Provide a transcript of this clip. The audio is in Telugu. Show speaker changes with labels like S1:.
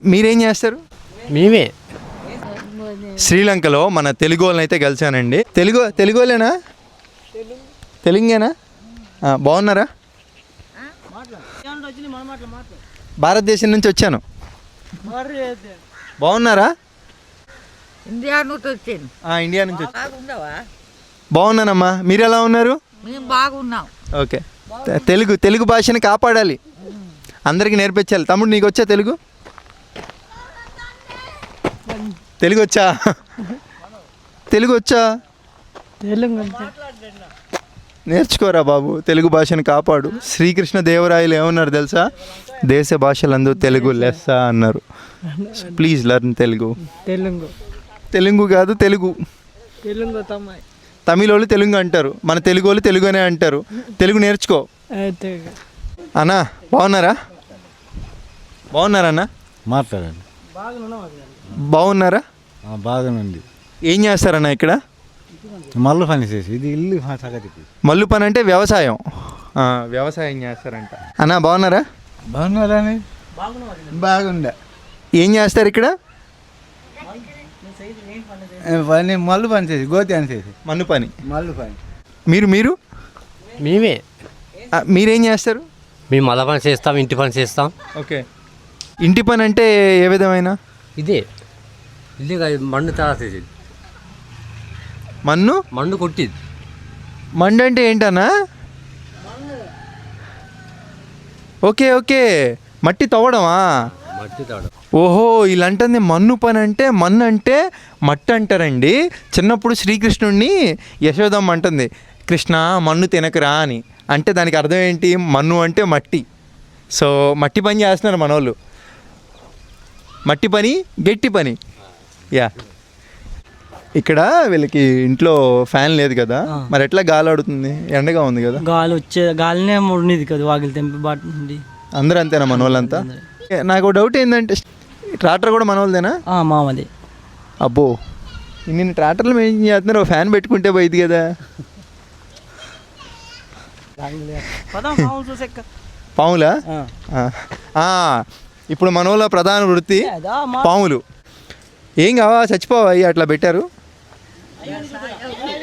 S1: మీరేం చేస్తారు?
S2: మేమే
S1: శ్రీలంకలో మన తెలుగు వాళ్ళని అయితే కలిసానండి. తెలుగు వాళ్ళేనా? తెలుగేనా? బాగున్నారా? భారతదేశం నుంచి వచ్చాను. బాగున్నారా?
S3: ఇండియా నుంచి వచ్చాను.
S1: ఇండియా నుంచి వచ్చాను. బాగున్నానమ్మా, మీరు ఎలా ఉన్నారు?
S3: మేము బాగున్నాం.
S1: ఓకే, తెలుగు భాషని కాపాడాలి, అందరికీ నేర్పించాలి. తమ్ముడు నీకు వచ్చా తెలుగు? తెలుగు వచ్చా? నేర్చుకోరా బాబు, తెలుగు భాషను కాపాడు. శ్రీకృష్ణ దేవరాయలు ఏమన్నారు తెలుసా? దేశ భాషలందు తెలుగు లెస్స అన్నారు. Please learn Telugu. తెలుగు కాదు, తెలుగు. తమిళ వాళ్ళు తెలుగు అంటారు, మన తెలుగు వాళ్ళు తెలుగునే అంటారు. తెలుగు నేర్చుకో అన్నా. బాగున్నారా? బాగున్నారన్నా?
S2: మాట్లాడండి.
S1: బాగున్నారా?
S2: బాగానండి.
S1: ఏం చేస్తారన్నా ఇక్కడ?
S2: మల్లు పని చేసి ఇది ఇల్లు సగతికి.
S1: మల్లు పని అంటే వ్యవసాయం. వ్యవసాయం చేస్తారంట. అన్నా బాగున్నారా?
S2: బాగున్నారని బాగుండే.
S1: ఏం చేస్తారు ఇక్కడ?
S2: పని మల్లు పని చేసి గోతి అని చేసి
S1: మన్ను పని.
S2: మల్లు పని.
S1: మీరు
S4: మేమే
S1: మీరేం చేస్తారు?
S4: మేము మళ్ళా పని చేస్తాం, ఇంటి పని చేస్తాం.
S1: ఓకే, ఇంటి పని అంటే ఏ విధమైన?
S4: ఇదే మన్ను తయారు చేసేది, మన్ను కొట్టేది.
S1: మండు అంటే ఏంటన్నా? ఓకే, మట్టి తవ్వడమా?
S4: మట్టి తవ్వడం.
S1: ఓహో, ఇలాంటి మన్ను పని అంటే, మన్ను అంటే మట్టి అంటారండి. చిన్నప్పుడు శ్రీకృష్ణుడిని యశోదమ్మ అంటుంది, కృష్ణ మన్ను తినకరా అని. అంటే దానికి అర్థం ఏంటి? మన్ను అంటే మట్టి. సో మట్టి పని చేస్తున్నారు మనోళ్ళు. మట్టి పని, గట్టి పని. యా, ఇక్కడ వీళ్ళకి ఇంట్లో ఫ్యాన్ లేదు కదా, మరి ఎట్లా గాలి ఆడుతుంది? ఎండగా ఉంది కదా.
S5: గాలినే ఉండేది కదా, వాకిలి తెంపి బాటి.
S1: అందరూ అంతేనా మన వాళ్ళంతా? నాకు డౌట్ ఏంటంటే, ట్రాక్టర్ కూడా మన వాళ్ళదేనా?
S5: మామది.
S1: అబ్బో, ఇన్ని ట్రాక్టర్లు ఏం చేస్తున్నారు? ఫ్యాన్ పెట్టుకుంటే పోయింది కదా. పాములా? ఇప్పుడు మన వాళ్ళ ప్రధాన వృత్తి పాములు. ఏం కావా, చచ్చిపోవా అట్లా పెట్టారు?